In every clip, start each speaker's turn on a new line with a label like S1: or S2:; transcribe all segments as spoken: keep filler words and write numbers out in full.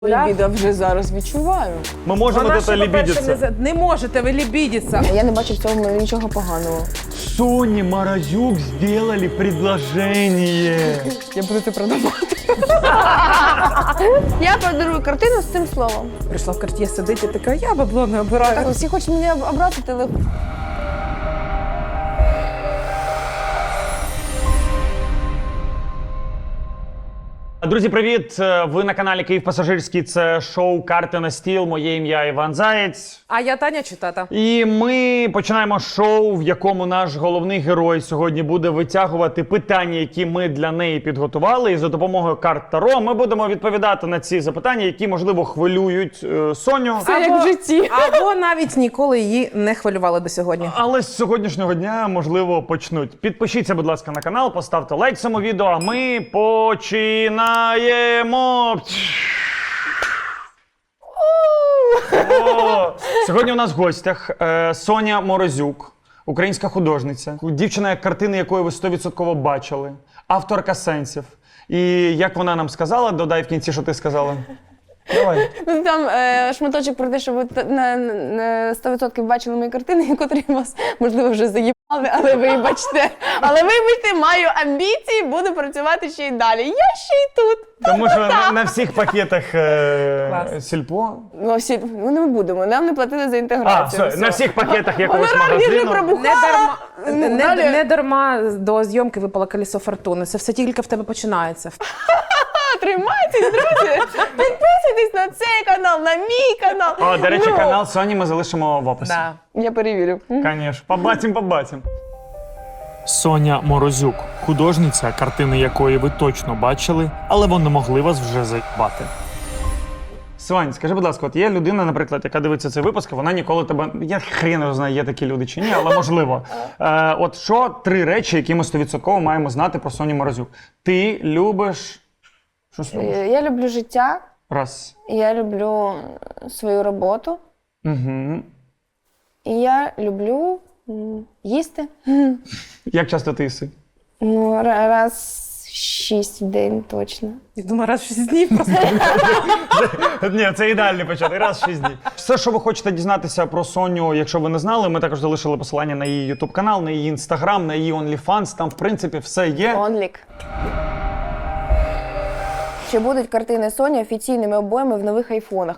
S1: Лібідо вже зараз відчуваю.
S2: Ми можемо
S3: Вона
S2: це
S3: ще, по-перше,
S2: лібідіться.
S3: не, за- не можете ви лібідіться.
S1: Я не бачу в цьому нічого поганого.
S2: Соне Морозюк сделали предложение.
S1: Я буду це продавати. Я подарую картину з цим словом.
S3: Прийшла в карт'є сидить і така, я бабло не обираю.
S1: Так, всі хочуть мене обрати телефон.
S2: Друзі, привіт! Ви на каналі Київ Пасажирський. Це шоу «Карти на стіл». Моє ім'я Іван Заєць.
S3: А я Таня чи тата?
S2: І ми починаємо шоу, в якому наш головний герой сьогодні буде витягувати питання, які ми для неї підготували. І за допомогою карт Таро ми будемо відповідати на ці запитання, які, можливо, хвилюють е, Соню.
S1: Це як в житті.
S3: Або навіть ніколи її не хвилювали до сьогодні.
S2: Але з сьогоднішнього дня, можливо, почнуть. Підпишіться, будь ласка, на канал, поставте лайк цьому відео, а ми починаємо. О, сьогодні у нас в гостях е, Соня Морозюк, українська художниця, дівчина, картини якої ви сто відсотків бачили, авторка сенсів. І як вона нам сказала, додай в кінці, що ти сказала. Давай.
S1: Ну, там е, шматочок про те, що ви т- на, на сто відсотків бачили мої картини, котрі вас, можливо, вже заїбали, але вибачте. Але вибачте, маю амбіції, буду працювати ще й далі. Я ще й тут.
S2: Тому що на, на всіх пакетах е,
S3: Клас.
S2: сільпо.
S1: Ну, всі, ну, не будемо, нам не платили за
S2: А,
S1: інтеграцію.
S2: все, на всіх пакетах якогось
S1: Гонорар вже
S2: магазину.
S1: пробухала.
S3: Не дарма,
S1: Ну,
S3: не,
S1: далі.
S3: не дарма до зйомки випало колесо фортуни. Це все тільки в тебе починається.
S1: Тримайтесь, друзі! Підписуйтесь на цей канал, на мій канал.
S2: О, до речі,
S1: Ну,
S2: канал Соні ми залишимо в описі.
S3: Да.
S1: Я перевірю.
S2: Конечно. Побачим, побачим.
S4: Соня Морозюк, художниця, картини якої ви точно бачили, але вони могли вас вже заїбати.
S2: Сонь, скажи, будь ласка, от є людина, наприклад, яка дивиться цей випуск, вона ніколи тебе. Я хрен його знаю, є такі люди чи ні, але можливо. Е, от що три речі, які ми сто відсотків маємо знати про Соню Морозюк? Ти любиш. Що ж любиш?
S1: Е, Я люблю життя,
S2: Раз.
S1: я люблю свою роботу,
S2: Угу.
S1: і я люблю м, їсти.
S2: Як часто ти їси?
S1: Ну, ра- раз шість в день точно.
S3: Я думаю, раз в шість днів просто.
S2: Ні, це ідеальний початок. Раз в шість днів. Все, що ви хочете дізнатися про Соню, якщо ви не знали, ми також залишили посилання на її ютуб канал, на її інстаграм, на її OnlyFans. Там, в принципі, все є.
S1: Онлік. Чи будуть картини Соні офіційними обоями в нових айфонах?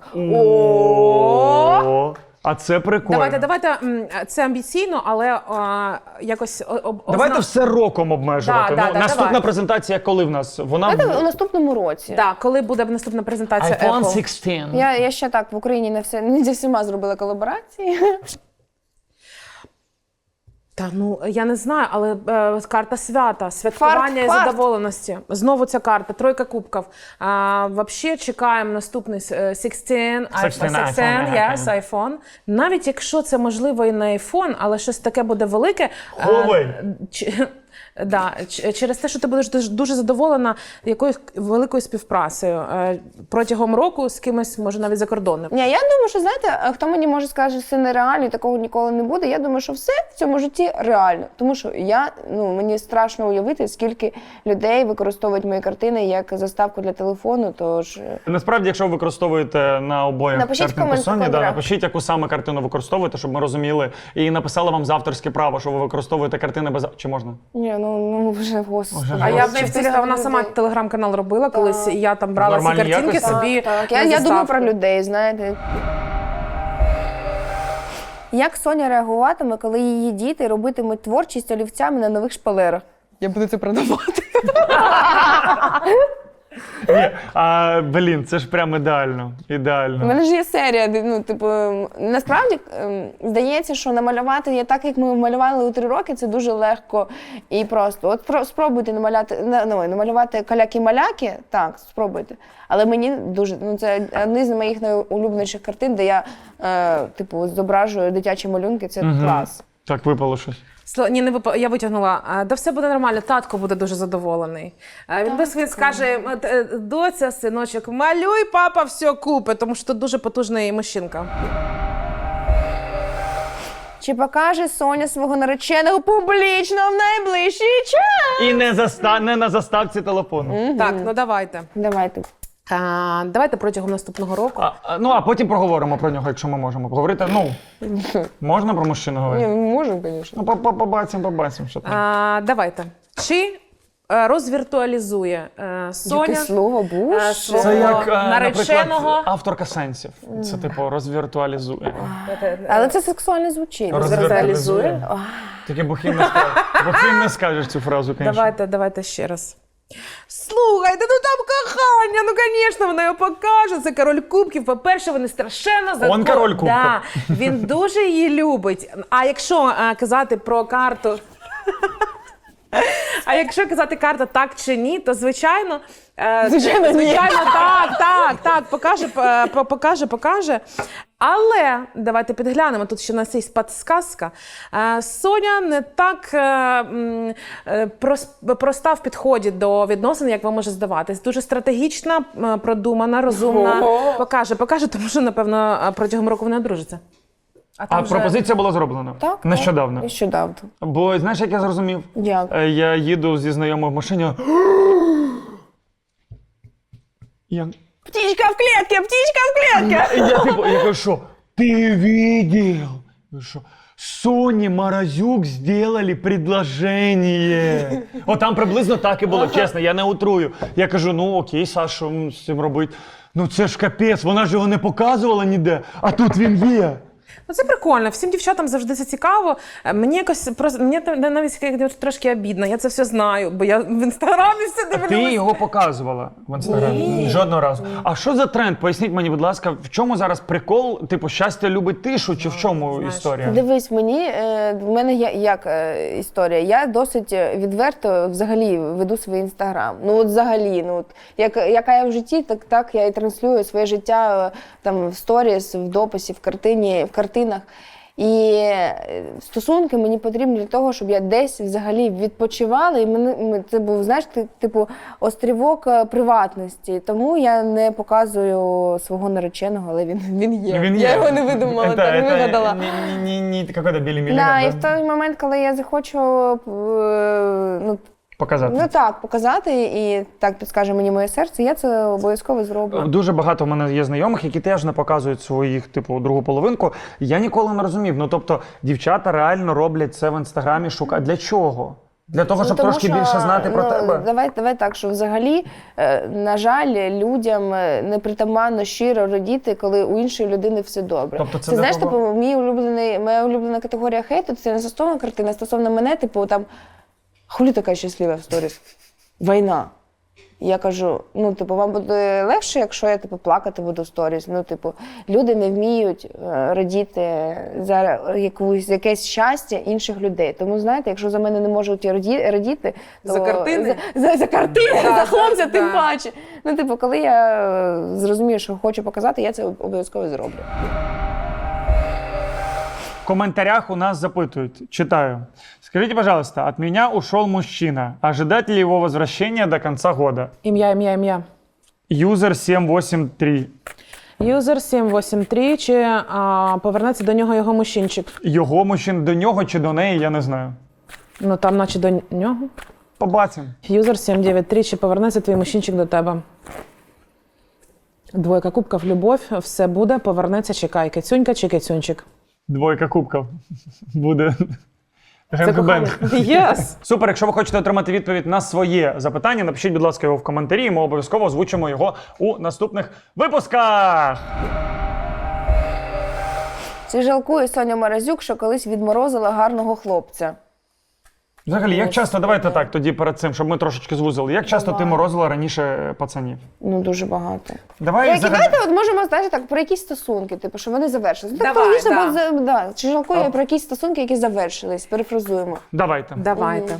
S2: О, а це прикольно.
S3: Давайте, давайте, м, це амбіційно, але а, якось о- об-
S2: Давайте
S3: озна-
S2: все роком обмежувати.
S3: Да, да,
S2: ну,
S3: да,
S2: наступна
S3: давай.
S2: презентація, коли в нас? Вона
S1: Давайте у наступному році.
S3: Да, коли буде наступна презентація
S2: iPhone
S3: Apple?
S2: шістнадцять.
S1: Я, я ще так в Україні не все не зі всіма зробила колаборації.
S3: Та ну я не знаю, але е, карта свята, святкування
S1: Фарт,
S3: і
S1: фарт.
S3: задоволеності. Знову ця карта, тройка кубків. А, вообще чекаємо наступний е, шістнадцять, iPhone,
S2: шістнадцять,
S3: шістнадцять,
S2: iPhone,
S3: yes, iPhone. Навіть якщо це можливо і на iPhone, але щось таке буде велике. е,
S2: Huawei.
S3: ч- Да, ч- через те, що ти будеш дуже, дуже задоволена якоюсь великою співпрацею е, протягом року з кимось, може навіть за кордоном.
S1: Ні, я думаю, що знаєте, хто мені може сказати, що це нереально і такого ніколи не буде. Я думаю, що все в цьому житті реально. Тому що я, ну мені страшно уявити, скільки людей використовують мої картини як заставку для телефону. Тож
S2: Насправді, якщо ви використовуєте на обоях
S1: Напишіть
S2: картинку
S1: комент в
S2: Соні, да,
S1: коментарях.
S2: напишіть, яку саме картину використовуєте, щоб ми розуміли. І написали вам за авторське право, що ви використовуєте картини без... Чи можна?
S1: ні, ну ну вже господи.
S2: Вже
S3: А я в неї в
S1: Чисто
S3: телеграм, вона
S1: людей.
S3: сама телеграм-канал робила колись, і я там брала ці
S2: Нормальній
S3: картинки
S2: якості?
S3: собі.
S1: Так, я,
S3: на
S1: я думаю
S3: заставку.
S1: про людей, знаєте. Як Соня реагуватиме, коли її діти робитимуть творчість олівцями на нових шпалерах? Я буду це продавати.
S2: Ні, а, блін, це ж прям ідеально.
S1: У
S2: Ідеально.
S1: мене ж є серія, де, ну, типу, насправді ем, здається, що намалювати я так, як ми малювали у три роки, це дуже легко і просто. От про, спробуйте намаляти, на- ну, намалювати каляки-маляки, так, спробуйте. Але мені дуже, ну, це одні з моїх найулюбленіших картин, де я, е, типу, зображую дитячі малюнки, це
S2: Мгм.
S1: клас.
S2: Так, випало щось.
S3: Сло- Ні, не вип... я витягнула. А, Да все буде нормально, татко буде дуже задоволений. А, Він без він скаже, «От, е, доця, синочок, малюй, папа все купить, тому що тут дуже потужний мужчинка.
S1: Чи покаже Соня свого нареченого публічно в найближчий час?
S2: І не, заста... не на заставці телефону.
S3: Так, ну давайте.
S1: Давайте.
S3: А, давайте протягом наступного року.
S2: А, а, ну, а потім проговоримо про нього, якщо ми можемо поговорити. Ну, можна про мужчину
S1: Ні,
S2: говорити?
S1: ми можемо, звісно.
S2: Ну, по- по- побачимо, побачимо, що там.
S3: А, давайте. Чи е, розвіртуалізує е, Соня
S1: Яке слово, буш?
S3: е, свого
S2: Це як, е,
S3: нареченого?
S2: наприклад, авторка сенсів. Це, типу, розвіртуалізує.
S1: Але це сексуально звучить.
S2: Розвіртуалізує. Тільки бухим не скажеш. Бухим не скажеш цю фразу, звісно.
S3: Давайте, давайте ще раз. Слухайте, ну там кохання, ну, звісно, вона його покаже. Це король кубків. По-перше, вони страшенно за
S2: Он король кубків.
S3: Да, він дуже її любить. А якщо а, казати про карту. А якщо казати карта так чи ні, то звичайно, е,
S1: Звичайно, ні.
S3: звичайно, так, так, так, покаже, е, по- покаже, покаже. Але давайте підглянемо. Тут ще у нас є подсказка. Е, Соня не так е, м, е, прос- проста в підході до відносин, як вам може здаватись. Дуже стратегічна, е, продумана, розумна.
S1: Ого.
S3: Покаже, покаже, тому що, напевно, е, протягом року вона одружиться.
S2: А
S3: там вже-
S2: пропозиція була зроблена?
S1: Так,
S2: Нещодавно.
S1: так, Нещодавно.
S2: Бо знаєш, як я зрозумів?
S1: Як?
S2: Е, Я їду зі знайомою в машині. Я,
S1: Птичка в клітці, птичка в клітці!
S2: я типу, я кажу, що ти видел? Я що, Соні Морозюк сделали предложение. О, там приблизно так і було, чесно, я не утрую. Я кажу, ну окей, Саш, що м, з цим робити? Ну це ж капець, вона ж його не показувала ніде, а тут він є.
S3: Ну, це прикольно. Всім дівчатам завжди це цікаво. Е, Мені якось просто мені та- навіть як трошки обідно. Я це все знаю, бо я в інстаграмі все
S2: Ти
S3: дивлюся.
S2: його показувала в інстаграмі? Жодного разу. А що за тренд? Поясніть мені, будь ласка, в чому зараз прикол? Типу, щастя любить тишу, чи в чому
S3: знаєш.
S2: історія?
S1: Дивись, мені е, в мене є як е, історія. Я досить відверто взагалі веду свій інстаграм. Ну от взагалі, ну от як яка я в житті, так так я і транслюю своє життя е, там в сторіс, в дописі, в картині, в картинах. І е, стосунки мені потрібні для того, щоб я десь взагалі відпочивала, і мене ми- це був, знаєш, ти- типу острівок е, приватності. Тому я не показую свого нареченого, але він, він є.
S2: Він
S1: я
S2: є.
S1: його не видумала,
S2: Это-
S1: та не
S2: это
S1: вигадала.
S2: Не, не, не, не какой-то Білі
S1: Да,
S2: Міліган,
S1: і в той момент, коли я захочу е, ну,
S2: показати.
S1: ну так, показати, і так підскаже мені моє серце, я це обов'язково зроблю.
S2: Дуже багато в мене є знайомих, які теж не показують своїх, типу, другу половинку. Я ніколи не розумів. Ну, тобто, дівчата реально роблять це в інстаграмі, шукають. Для чого? Для того, щоб
S1: Ну, тому
S2: трошки
S1: що,
S2: більше знати про
S1: ну,
S2: тебе?
S1: Давай, давай так, що взагалі, е, на жаль, людям е, непритаманно щиро радіти, коли у іншої людини все добре.
S2: Тобто це
S1: це
S2: для
S1: знаєш,
S2: того-
S1: типу, мій улюблений, моя улюблена категорія хейту, це не стосовно картини, а стосовно мене, типу, там, хулі така щаслива в сторіс? Війна. Я кажу, ну, типу, вам буде легше, якщо я типу, плакати буду в сторіс. Ну, типу, люди не вміють е, радіти за якусь, якесь щастя інших людей. Тому, знаєте, якщо за мене не можуть раді, радіти, то
S3: За картини?
S1: За, за, за картини,
S3: Да,
S1: за хлопця,
S3: да,
S1: тим
S3: да.
S1: паче. Ну, типу, коли я е, зрозумію, що хочу показати, я це обов'язково зроблю.
S2: В комментариях у нас запытывают. Читаю. Скажите, пожалуйста, от меня ушел мужчина. Ожидать ли его возвращения до конца года?
S3: Ім'я, ім'я, ім'я.
S2: Юзер сім вісім три.
S3: Юзер сім вісім три, чи а, повернеться до нього його мужчинчик?
S2: Його мужчин до нього чи до неї, я не знаю.
S3: Ну там, наче до нього.
S2: Побачимо.
S3: Юзер сім дев'ять три, чи повернеться твій мужчинчик до тебе? Двойка кубків, любов, все буде, повернеться, чекай. Кицюнька чи кицюнчик?
S2: Двойка кубків. Буде.
S3: Це кохання. Єс!
S2: Супер, якщо ви хочете отримати відповідь на своє запитання, напишіть, будь ласка, його в коментарі, і ми обов'язково озвучимо його у наступних випусках.
S1: Чи жалкує Соня Морозюк, що колись відморозила гарного хлопця?
S2: Взагалі, як часто, давайте так, тоді перед цим, щоб ми трошечки звузили. Як часто ти
S1: Давай.
S2: морозила раніше пацанів?
S1: Ну, дуже багато.
S2: Давай
S1: Які,
S2: загад...
S1: давайте от можемо знаєте, так, про якісь стосунки, типу, що вони завершились. Так,
S3: Давай,
S1: логічно,
S3: да.
S1: бо за- да. Чи жалкує
S2: А.
S1: про якісь стосунки, які завершились, перефразуємо.
S2: Давайте.
S3: Давайте.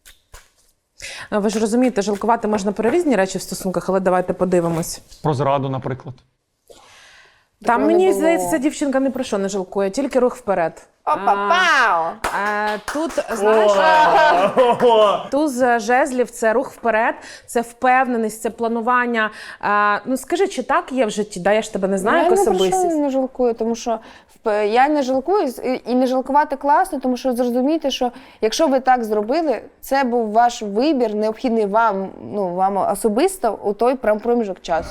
S3: Ви ж розумієте, жалкувати можна про різні речі в стосунках, але давайте подивимось.
S2: Про зраду, наприклад.
S3: Там,
S1: Такого не
S3: мені
S1: було.
S3: здається, ця дівчинка ні про що не жалкує, тільки рух вперед.
S1: Опа-пау!
S3: Е, Тут, знаєш, туз жезлів – це рух вперед, це впевненість, це планування. Е, Ну скажи, чи так є в житті? Да, я ж тебе не знаю, як
S1: Я ні про що
S3: особистість.
S1: не жалкую, тому що в- я не жалкую і- і не жалкувати класно, тому що зрозумійте, що якщо ви так зробили, це був ваш вибір, необхідний вам, ну, вам особисто у той прям проміжок часу.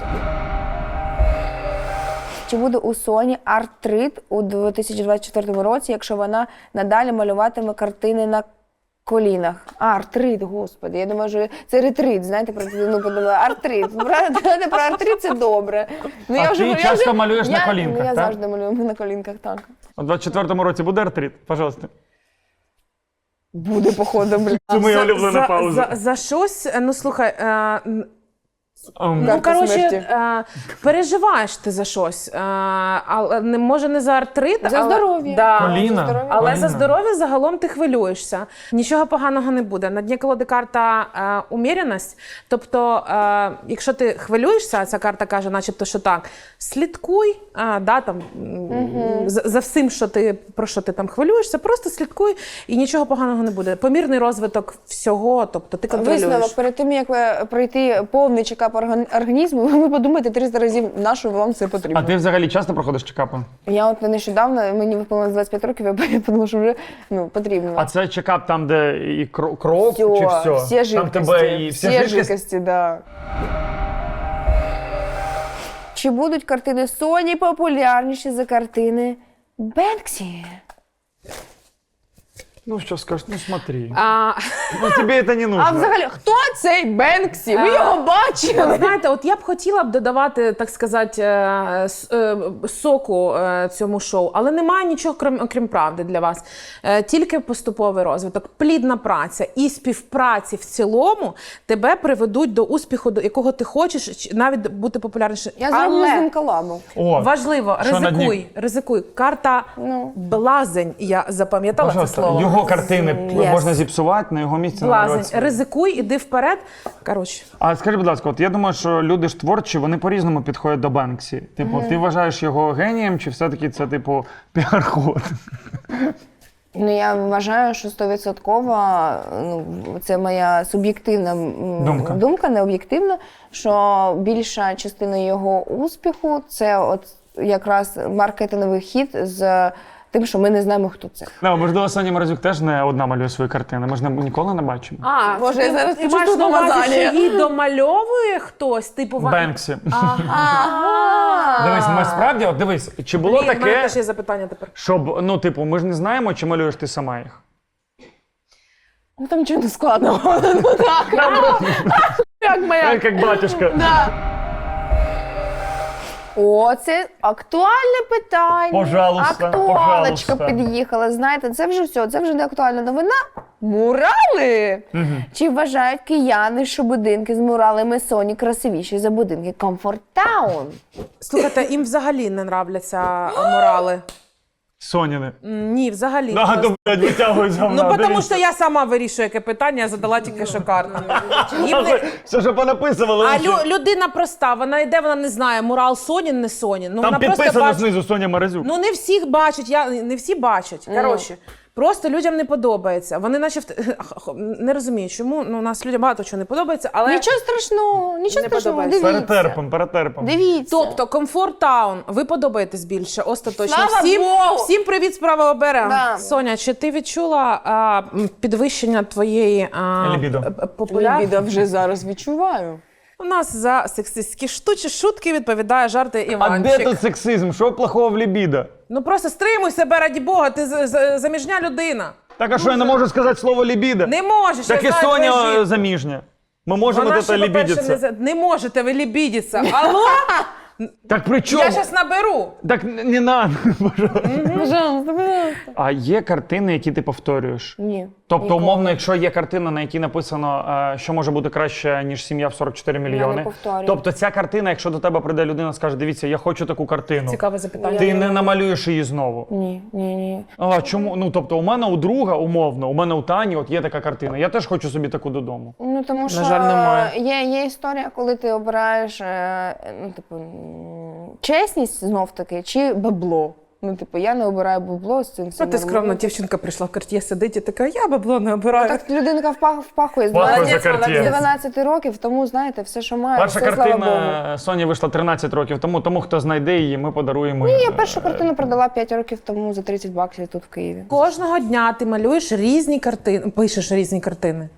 S1: Чи буде у Соні артрит у дві тисячі двадцять четвертому році, якщо вона надалі малюватиме картини на колінах? А, артрит, господи, я думаю, що це ретрит, знаєте, про ну, подумала, артрит. Знаєте, про артрит це добре. Ну,
S2: А ти часто малюєш на
S1: я,
S2: колінках,
S1: ну, я
S2: так?
S1: завжди малюю на колінках, так.
S2: У двадцять четвертому році буде артрит? Пожалуйста.
S1: Буде, походу, блядь.
S2: Це моя
S3: За-
S2: улюблена
S3: за,
S2: пауза.
S3: За, за щось, е, ну слухай, е, н-
S2: Ем,
S3: ну
S1: Карта
S3: коротше,
S1: смерті.
S3: е, переживаєш ти за щось, е, але не може не за артрит,
S1: За
S3: але,
S1: здоров'я.
S3: Да.
S2: Коліна.
S1: за здоров'я.
S3: Але
S2: Коліна.
S3: за здоров'я загалом ти хвилюєшся. Нічого поганого не буде. На дні колоди карта е, уміреність. Тобто, е, якщо ти хвилюєшся, ця карта каже, начебто, що так, слідкуй, е, да, там, м, за, за всім, що ти, про що ти там хвилюєшся, просто слідкуй і нічого поганого не буде. Помірний розвиток всього, тобто ти контролюєш.
S1: Висновок, перед тим, як ви пройти повний чекап орган- організму, ви подумайте триста разів, на що вам це потрібно.
S2: А ти взагалі часто проходиш чекапи?
S1: Я от нещодавно, мені виповнилось двадцять п'ять років, я подумала, що вже ну, потрібно.
S2: А це чекап там, де і кро- кров,
S1: Всьо,
S2: чи все?
S1: всі
S2: Там
S1: жидкості,
S2: тебе і вся
S1: всі
S2: жидкість?
S1: жидкості, да. Чи будуть картини Соні популярніші за картини Бенксі?
S2: Ну що скажеш, ну смотри.
S3: А,
S2: Ну тобі це не нужно.
S1: А взагалі, хто цей Бенксі? Ви
S3: А,
S1: його бачили?
S3: знаєте, от я б хотіла б додавати, так сказати, е, с- е, соку е, цьому шоу, але немає нічого, крім, окрім правди для вас. Е, Тільки поступовий розвиток, плідна праця і співпраці в цілому тебе приведуть до успіху, до якого ти хочеш, чи навіть бути популярнішим.
S1: Я зроблю
S3: Але
S1: з ним колабу.
S2: О,
S3: важливо,
S2: що на дні?
S3: ризикуй, ризикуй. Карта
S1: Ну.
S3: блазень, я запам'ятала це
S2: пожалуйста,
S3: слово.
S2: його картини
S1: Yes.
S2: можна зіпсувати, на його місці
S3: Блазень,
S2: намалювати.
S3: ризикуй, іди вперед. Коротше.
S2: А скажи, будь ласка, от я думаю, що люди ж творчі, вони по-різному підходять до Бенксі. Типу, ти вважаєш його генієм, чи все-таки це, типу, піар-ход?
S1: Ну, я вважаю, що стовідсотково, ну, це моя суб'єктивна м,
S2: Думка.
S1: думка, не об'єктивна, що більша частина його успіху – це от якраз маркетинговий хід з тим, що ми не знаємо, хто це.
S2: Ну, можливо, Соня Морозюк теж не одна малює свої картини. Ми ж не, ніколи не бачимо.
S3: А,
S1: Боже, я зараз
S3: ти
S1: почув
S3: маєш на увазі,
S1: помазання.
S3: що її домальовує хтось, типу Ван-
S2: Бенксі.
S1: Ага!
S2: Дивись, ми справді, от дивись, чи було
S3: Блін, в мене
S2: таке,
S3: теж є запитання тепер.
S2: щоб, ну, типу, ми ж не знаємо, чи малюєш ти сама їх?
S1: Ну, там нічого не складного. Ну, так. Як моя.
S2: Як батюшка.
S1: О, це актуальне питання.
S2: Пожалуйста,
S1: Актуалочка
S2: пожалуйста.
S1: під'їхала. Знаєте, це вже все, це вже не актуальна новина. Мурали! Чи вважають кияни, що будинки з муралами Соні красивіші за будинки Comfort Town?
S3: Слухайте, їм взагалі не нравляться а, морали.
S2: Соняни.
S3: М, Ні, взагалі.
S2: Да, то, блядь, витягують з говна.
S3: Ну, тому
S2: дивіться.
S3: що я сама вирішую, яке питання, я задала тільки що карту. Їм не-
S2: Все, що понаписували.
S3: А
S2: лише.
S3: лю- людина проста, вона йде, вона не знає, мурал Сонін, не Сонін. Ну,
S2: Там
S3: вона просто
S2: підписано
S3: бачить.
S2: знизу Соня Морозюк.
S3: Ну не всіх бачать, я не всі бачать. Коротше, просто людям не подобається. Вони наче в- не розуміють, чому ну у нас людям багато чого не подобається, але
S1: Нічого страшного, нічого
S3: Не
S1: страшного,
S3: подобається.
S1: дивіться.
S2: Перетерпом, перетерпом.
S1: Дивіться.
S3: тобто комфорт таун, ви подобаєтесь більше, остаточно.
S1: Слава
S3: всім,
S1: Богу!
S3: всім привіт з правого берега.
S1: Да.
S3: Соня, чи ти відчула а, м, підвищення твоєї а,
S2: Лібідо.
S3: п- п- популярності?
S1: Лібідо вже зараз відчуваю.
S3: У нас за сексистські штучі шутки відповідає жарти
S2: А
S3: Іванчик.
S2: де тут сексизм? Що плохого в лібідо?
S3: Ну просто стримуй себе, раді Бога, ти з- з- заміжня людина.
S2: Так, а що я не можу сказати слово лібідо?
S3: Не можеш,
S2: Так
S3: я
S2: і
S3: знаю твою
S2: Соня
S3: жінку.
S2: е, заміжня. Ми можемо
S3: Вона
S2: тут
S3: ще, по-перше, не,
S2: лібідіться.
S3: за- не можете ви лібідіться. Алло?
S2: Так при чому?
S3: Я зараз наберу.
S2: Так не не надо, пожалуйста.
S1: Пожалуйста, пожалуйста.
S2: А є картини, які ти повторюєш?
S1: Ні.
S2: Тобто,
S1: ніколи.
S2: умовно, якщо є картина, на якій написано, е, що може бути краще, ніж сім'я в сорок чотири мільйони.
S1: повторюю.
S2: Тобто ця картина, якщо до тебе прийде людина, скаже, дивіться, я хочу таку картину.
S3: Цікаве запитання.
S2: Ти не намалюєш її знову.
S1: Ні, ні, ні.
S2: А чому? Ну тобто, у мене у друга, умовно, у мене у Тані, от є така картина. Я теж хочу собі таку додому.
S1: Ну тому що
S3: жаль, немає.
S1: Є, є історія, коли ти обираєш е, ну, типу, м, чесність знов таки чи бабло. Ну, типу, я не обираю бабло з цим. все
S3: Ну, ти
S1: нормально.
S3: скромна дівчинка прийшла в Cartier сидить і така, я бабло не обираю.
S1: Так людинка впах, впахує з
S2: Впахує
S1: дванадцяти
S2: за Cartier.
S1: з дванадцяти років, тому, знаєте, все, що має,
S2: Перша
S1: все, слава Богу.
S2: картина Соні вийшла тринадцять років тому, тому хто знайде її, ми подаруємо.
S1: Ні,
S2: їй.
S1: я першу картину продала п'ять років тому за тридцять баксів тут в Києві.
S3: Кожного дня ти малюєш різні картини, пишеш різні картини.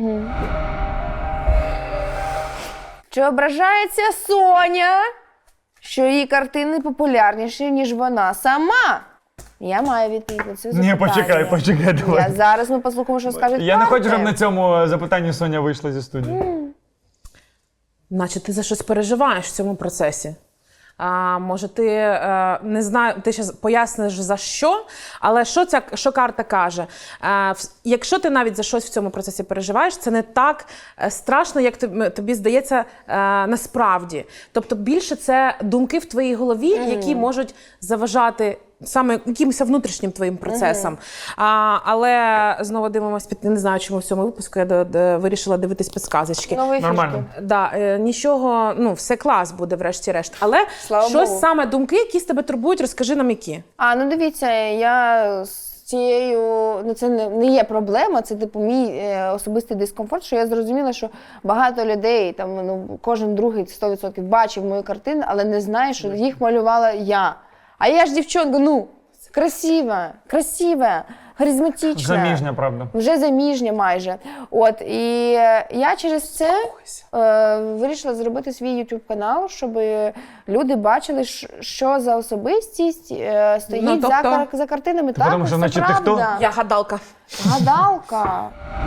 S1: Чи ображається Соня, що її картини популярніші, ніж вона сама? Я маю відповідь на це
S2: Ні,
S1: запитання.
S2: почекай, почекай, давай.
S1: Я зараз ми послухаємо, що скажуть
S2: Я не хочу, щоб
S1: карти.
S2: на цьому запитанні Соня вийшла зі студії.
S3: Наче ти за щось переживаєш в цьому процесі. А, може, ти е, не знаю, ти ще поясниш за що, але що ця що карта каже? Е, в- якщо ти навіть за щось в цьому процесі переживаєш, це не так е, страшно, як тобі, тобі здається е, насправді. Тобто більше це думки в твоїй голові, які можуть заважати саме якимось внутрішнім твоїм процесам. А, але знову дивимося, під не знаю, чому в цьому випуску я до, до, вирішила дивитись підказочки.
S1: Нові
S2: Нормально.
S1: фішки.
S3: Да, е, нічого, ну, все клас буде, врешті-решт. Але
S1: Слава
S3: щось
S1: Богу.
S3: саме думки, які з тебе турбують, розкажи нам які.
S1: А, ну дивіться, я з цією, ну це не, не є проблема, це типу мій е, особистий дискомфорт, що я зрозуміла, що багато людей, там, ну, кожен другий сто відсотків бачив мою картину, але не знає, що їх малювала я. А я ж дівчонка, ну, красива, красива, харизматична.
S2: Заміжня, правда.
S1: Вже заміжня майже. От, і е, я через це е, вирішила зробити свій YouTube канал, щоб люди бачили, ш- що за особистість е, стоїть
S3: Ну,
S1: за,
S3: тобто?
S1: кар- за картинами. Так,
S2: тому що,
S1: це
S2: значить, ти хто?
S1: правда.
S3: Я гадалка.
S1: Гадалка.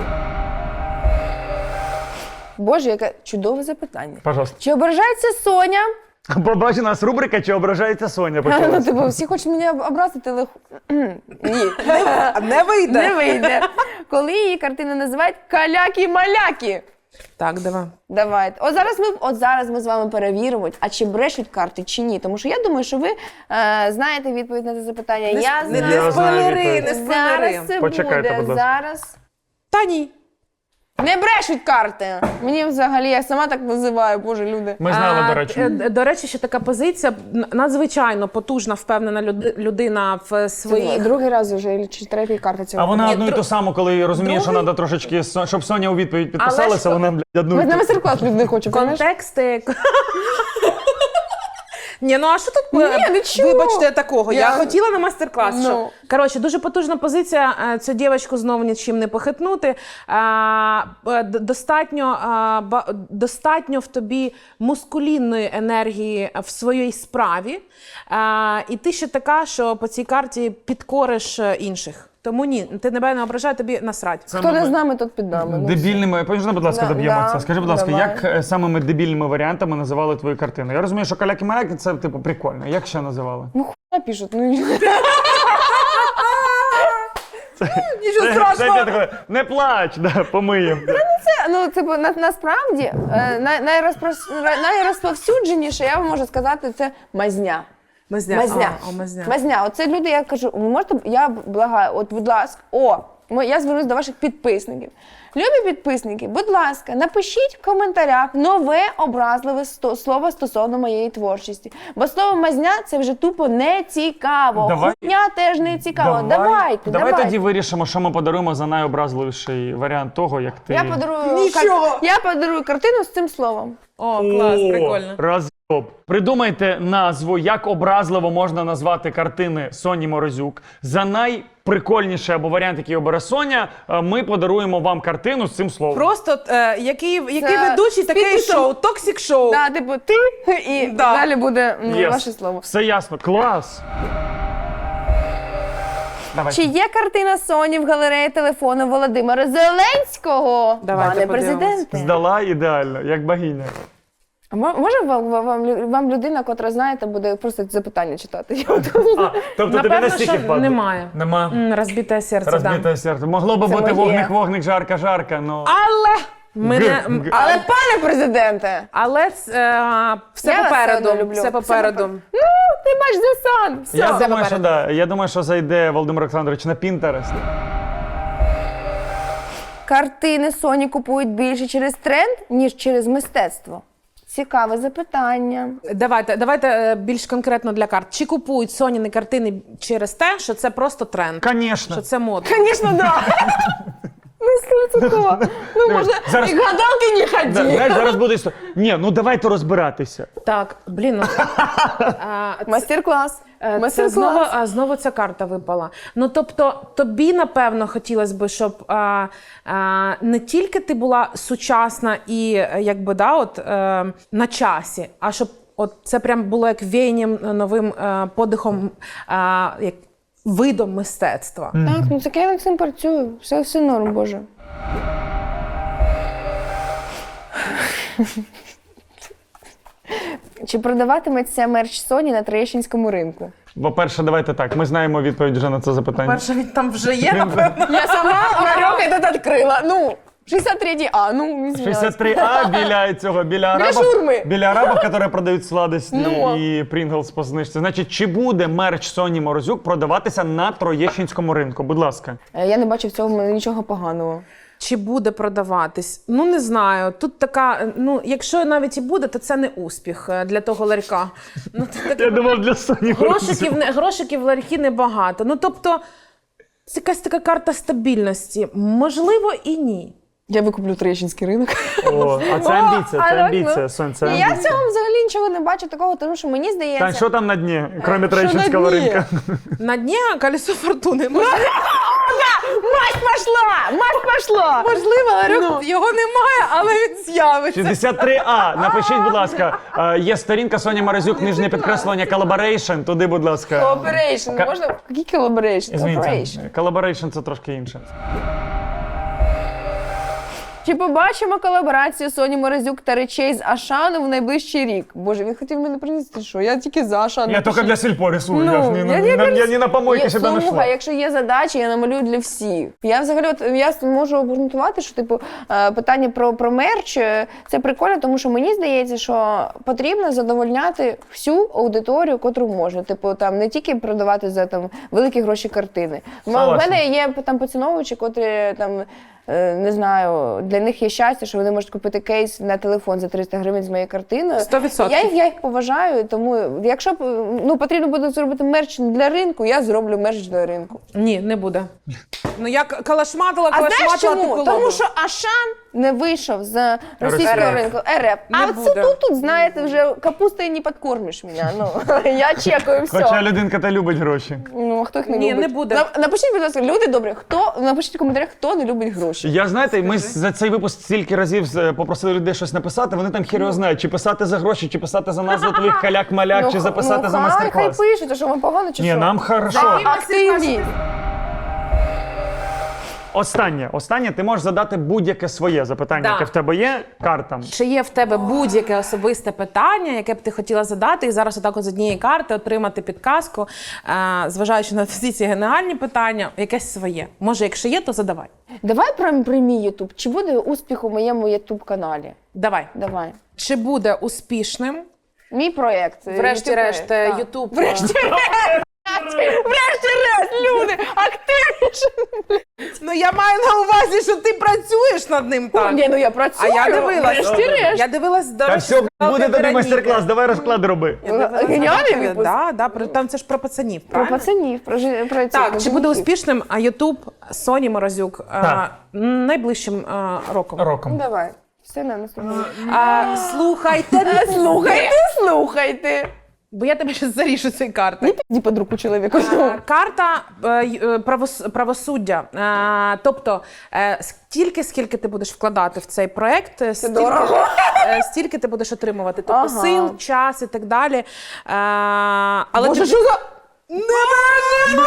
S1: Боже, яке чудове запитання.
S2: Пожалуйста.
S1: Чи ображається Соня?
S2: Побачи, у нас рубрика «Чи ображається Соня»
S1: Ну,
S2: почалась.
S1: типу, всі хочуть мене образити, але ні,
S3: Не вийде.
S1: не вийде. Коли її картини називають каляки-маляки.
S3: Так, давай.
S1: Давайте. От зараз ми от зараз ми з вами перевіримо, а чи брешуть карти, чи ні. Тому що я думаю, що ви е, знаєте відповідь на це запитання.
S3: Не,
S1: я
S3: не,
S1: знаю.
S3: не спойлери,
S2: відповідь.
S3: не спойлери.
S1: Зараз це
S2: Почекайте,
S1: буде.
S2: будь ласка.
S1: Зараз.
S3: Та ні.
S1: Не брешуть карти. Мені взагалі, я сама так називаю, боже, люди.
S2: Ми знали,
S3: А,
S2: до речі.
S3: е, До речі, ще така позиція, н- надзвичайно потужна, впевнена люд- людина в
S1: Це
S3: своїх...
S1: другий раз вже, чи третій карта цього.
S2: А вона
S3: Ні,
S2: одну і
S3: дру-
S2: ту саму, коли розуміє, що
S3: Другий-
S2: треба трошечки, Со- щоб Соня у відповідь
S3: Але
S2: підписалася,
S3: ж-
S2: вона, блядь, одну
S1: Ми
S2: і
S1: на
S2: ту.
S1: майстер-клас люди хочуть, розумієш?
S3: Контексти. Ні, ну а що тут,
S1: Ні,
S3: е,
S1: нічого.
S3: вибачте, такого? Я,
S1: Я-
S3: хотіла на майстер-клас.
S1: Ну.
S3: Що... Коротше, дуже потужна позиція. е, Цю дівчинку знову нічим не похитнути. А, е, д- достатньо, а, ба- достатньо в тобі мускулінної енергії в своїй справі. А, і ти ще така, що по цій карті підкориш е, інших. Тому ні, ти тебе не ображає, тобі насрать.
S1: Хто не з нами, тут під нами. Ну,
S2: Дебільними, можна, будь ласка,
S1: Да,
S2: доб'ємо
S1: да,
S2: це. Скажи, будь ласка,
S1: давай.
S2: як е, самими дебільними варіантами називали твої картини? Я розумію, що каляки-маляки це, типу, прикольно. Як ще називали?
S1: Ну хуя пишуть, ну
S3: Нічого
S2: Це я такий, не плач, да, помиємо.
S1: це, ну це на, насправді е, най, найрозпрос- найрозповсюдженіше, я вам можу сказати, це мазня.
S3: Мазня.
S1: Мазня.
S3: А, о, мазня.
S1: Мазня. Оце люди, я кажу, ви можете, я благаю, от, будь ласка, о, ми- я звернусь до ваших підписників. Любі підписники, будь ласка, напишіть в коментарях нове образливе сто- слово стосовно моєї творчості. Бо слово мазня це вже тупо не цікаво.
S2: Давай.
S1: Хуйня теж не цікаво. Давайте,
S2: давай
S1: давайте.
S2: тоді вирішимо, що ми подаруємо за найобразливіший варіант того, як ти...
S1: Я подарую,
S3: Нічого.
S1: кар- я подарую картину з цим словом.
S3: О, клас,
S2: О,
S3: прикольно.
S2: Розйоб. Придумайте назву, як образливо можна назвати картини Соні Морозюк. За найприкольніший або варіант, який обере Соня, е, ми подаруємо вам картину з цим словом.
S3: Просто е, який, який
S1: Це
S3: ведучий, таке і
S1: спільно.
S3: шоу, токсик шоу.
S1: Да, типу, ти і
S3: Да.
S1: далі буде м,
S2: Yes.
S1: ваше слово.
S2: Все ясно. Клас. Давай.
S1: Чи є картина Соні в галереї телефону Володимира Зеленського?
S3: Давайте
S1: Пане
S3: подивимось.
S1: президенте.
S2: Здала ідеально, як богиня.
S1: А мо- може вам, вам, вам, вам людина, котра знаєте, буде просто запитання читати? Я от-
S2: А, тобто тобі
S3: Напевно,
S2: настільки
S3: що
S2: впадло?
S3: немає.
S2: Нема.
S3: М, Розбите серце, да.
S2: Розбите серце. Могло би
S1: Це
S2: бути
S1: моє.
S2: вогник-вогник, жарка-жарка, ну...
S3: Але мене,
S2: Г,
S3: м,
S2: г.
S3: але,
S1: Але пане президенте,
S3: але е, все
S1: Я вас
S3: попереду.
S1: все одно люблю.
S3: Все
S1: Все
S3: попереду.
S1: ну ти бач за сан. Все.
S2: Я
S3: Все
S2: думаю, що
S3: попереду.
S2: да. Я думаю, що зайде Володимир Олександрович на Пінтерест.
S1: Картини Соні купують більше через тренд, ніж через мистецтво. Цікаве запитання.
S3: Давайте, давайте е, більш конкретно для карт. Чи купують Соніни картини через те, що це просто тренд?
S2: Конечно.
S3: Що це модно?
S1: Звісно, да. Ну, стовідсотково. Ну,
S2: Дивись,
S1: можна
S2: зараз-
S1: і гадалки не
S2: Да,
S1: ході.
S2: знаєш, зараз буде історія. Ні, ну давайте розбиратися.
S3: Так, блін, ну, а, це-
S1: Мастер-клас.
S3: Е, Це
S1: Мастер-клас.
S3: знову, а, знову ця карта випала. Ну, тобто, тобі, напевно, хотілося б, щоб а, а, не тільки ти була сучасна і е, якби, да, от, е, на часі, а щоб от, це прям було як веянням новим е, подихом, е, як видом мистецтва.
S1: Так, ну так я над цим працюю. Все, все норм, Боже. Чи продаватиметься мерч Соні на Троєщинському ринку?
S2: По-перше, давайте так. Ми знаємо відповідь вже на це запитання.
S3: Перше, він там вже є, напевно.
S1: Я сама ларек этот відкрила. Ну, шістдесят третій А, ну, извиняюсь.
S2: шістдесят три А біля цього, біля арабів,
S1: шаурми.
S2: біля арабів, які продають сладості
S1: Ну.
S2: і Pringles по знижці. Значить, чи буде мерч Соні Морозюк продаватися на Троєщинському ринку? Будь ласка.
S1: Е, Я не бачу в цьому нічого поганого.
S3: Чи буде продаватись? Ну, не знаю. Тут така, ну, якщо навіть і буде, то це не успіх е, для того ларька. Ну, тут таке-
S2: Я думав, для Соні
S3: Грошиків, не- грошиків в ларьки небагато. Ну, тобто, це якась така карта стабільності. Можливо, і ні.
S1: Я викуплю Троєщинський ринок.
S2: О, а це
S1: О,
S2: амбіція,
S1: а
S2: це
S1: так,
S2: амбіція,
S1: ну.
S2: Сонь, це
S1: І я в
S2: амбіція.
S1: цьому взагалі нічого не бачу такого, тому що мені здається...
S2: Тань, що там на дні, крім
S1: Що
S2: Троєщинського
S1: на дні?
S2: ринка?
S3: На дні колесо фортуни.
S1: Мать пошла! Мать пошла!
S3: Можливо, ларьок його немає, але він з'явиться.
S2: шістдесят три А. Напишіть, будь ласка. Е, Є сторінка Соня Морозюк, нижнє підкреслення Collaboration. Туди, будь ласка.
S1: Колаборейшн.
S2: Ка-
S1: Можна? Який колаборейшн? Колаборейшн.
S2: Извините, Collaboration це трошки інше.
S1: Чи побачимо колаборацію Соні Морозюк та речей з Ашану в найближчий рік? Боже, він хотів мене принести, що? Я тільки за Ашан.
S2: Я тільки для сільпо рисую, я ж не,
S1: я,
S2: на-
S1: я,
S2: на-
S1: я,
S2: я не на помойки
S1: я,
S2: себе
S1: слухай,
S2: знайшла.
S1: якщо є задачі, я намалюю для всіх. Я взагалі от, я можу обґрунтувати, що типу е, питання про, про мерч е, це прикольно, тому що мені здається, що потрібно задовольняти всю аудиторію, котру можна. Типу там не тільки продавати за там великі гроші картини. У
S2: Согласен.
S1: мене є там поціновувачі, котрі там. е, Не знаю, для них є щастя, що вони можуть купити кейс на телефон за триста гривень з моєю картиною.
S3: Сто відсотків.
S1: Я їх, я їх поважаю, тому якщо б, ну, потрібно буде зробити мерч для ринку, я зроблю мерч для ринку.
S3: Ні, не буде. Ну, я к- калашматила,
S1: А знаєш
S3: калашматила
S1: чому?
S3: ту
S1: Тому
S3: колоду.
S1: що Ашан не вийшов з російського
S2: РФ.
S1: ринку. РФ.
S3: Не
S1: А
S3: буде.
S1: це тут, тут, знаєте, вже капустою не підкормиш мене. Ну, я чекаю все.
S2: Хоча людинка та любить гроші.
S1: Ну, а хто їх не
S3: Ні,
S1: любить?
S3: не буде.
S1: На- Напишіть, будь ласка, люди добрі, хто, напишіть в коментарях, хто не любить гроші.
S2: Я, знаєте, ми за цей випуск стільки разів е, попросили людей щось написати, вони там хер його знають, чи писати за гроші, чи писати за назву твоїх каляк-маляк, чи
S1: Ну,
S2: записати
S1: ну,
S2: за
S1: хай,
S2: майстер-клас.
S1: Хай пишуть, а що вам погано чи
S2: Ні,
S1: що?
S2: нам хорошо.
S1: Активні.
S2: Останнє, останнє, ти можеш задати будь-яке своє запитання,
S3: Да.
S2: яке в тебе є, картам.
S3: Чи є в тебе будь-яке особисте питання, яке б ти хотіла задати, і зараз отак от з однієї карти отримати підказку, е, зважаючи на всі ці генеральні питання, якесь своє. Може, якщо є, то задавай.
S1: Давай про, про мій Ютуб. Чи буде успіх у моєму Ютуб-каналі?
S3: Давай.
S1: Давай.
S3: Чи буде успішним,
S1: Мій проєкт.
S3: врешті-решт,
S1: YouTube-проєкт, так.
S3: Ютуб?
S1: Врешті-решт, люди, активніше.
S3: Ну я маю на увазі, що ти працюєш над ним так.
S1: Ні, ну я
S3: А
S1: працюю.
S3: я дивилась.
S1: Врешті-решт.
S3: Я дивилась до
S2: Та
S3: речі,
S2: все,
S3: серіал
S2: буде тобі
S3: «Вероніка».
S2: майстер-клас, давай розклад роби.
S3: Я дивилась,
S1: Геніальний
S3: да,
S1: випуск.
S3: Да, да, про- там це ж про пацанів,
S1: Про
S3: правильно?
S1: пацанів, про, жи- про
S3: Так,
S1: цих
S3: чи буде
S1: мужиків.
S3: успішним а Ютуб Соні Морозюк а,
S2: Так.
S3: найближчим а, роком?
S2: Роком.
S1: Давай. Все на наступному.
S3: А, слухайте,
S1: Слухайте, слухайте.
S3: бо я тебе зараз зарішу цією картою.
S1: Іди під руку чоловіку.
S3: А, Карта е, й- е, правос- правосуддя. Е, Тобто, е, стільки, скільки ти будеш вкладати в цей проект, е, стільки,
S1: дорого.
S3: е, стільки ти будеш отримувати. Тобто
S1: Ага.
S3: сил, час і так далі. Е, Але
S1: Боже,
S3: ти...
S1: що за...
S3: Не можна!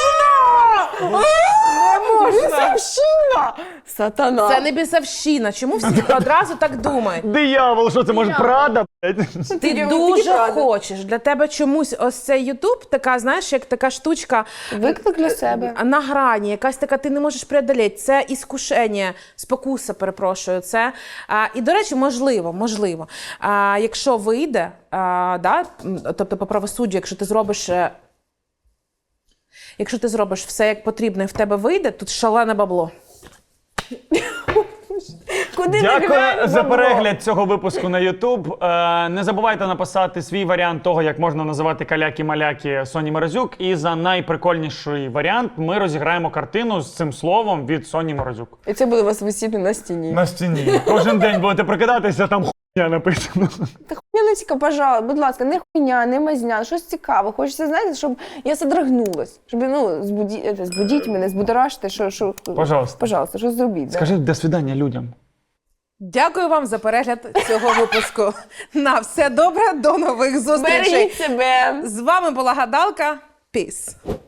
S3: Не можна!
S1: Бісовщина! Сатана.
S3: Це не бісовщина. Чому всі одразу так думають?
S2: Диявол, що це може Прада? блядь?
S3: Ти
S1: Тільки-
S3: дуже
S1: тільки правда.
S3: хочеш. Для тебе чомусь ось цей Ютуб, така, знаєш, як така штучка
S1: Виклик для себе.
S3: на грані, якась така, ти не можеш преодоліти. Це іскушення, спокуса, перепрошую. Це, а, і, до речі, можливо, можливо. А, якщо вийде, а, да, м, тобто по правосуддю, якщо ти зробиш... е, Якщо ти зробиш все як потрібно і в тебе вийде, тут шалене бабло.
S1: Куди не
S2: Дякую
S1: глянь,
S2: за
S1: бабло.
S2: перегляд цього випуску на YouTube. Е, не забувайте написати свій варіант того, як можна називати каляки-маляки Соні Морозюк. І за найприкольніший варіант ми розіграємо картину з цим словом від Соні Морозюк.
S1: І це буде у вас висіти на стіні.
S2: На стіні. Кожен день будете прокидатися, там хуйня написано.
S1: Та хуйняночка, пожалуйста, будь ласка, не хуйня, не мазня, щось цікаве. Хочеться, знаєте, щоб я содрогнулась. Щоб, ну, збуді... це, збудіть мене, збудоражте, що, що...
S2: Пожалуйста.
S1: Пожалуйста, що зробіть. Да?
S2: Скажи до свидання людям.
S3: Дякую вам за перегляд цього випуску. На все добре, до нових зустрічей.
S1: Бережіть себе.
S3: З вами була Гадалка. Піс.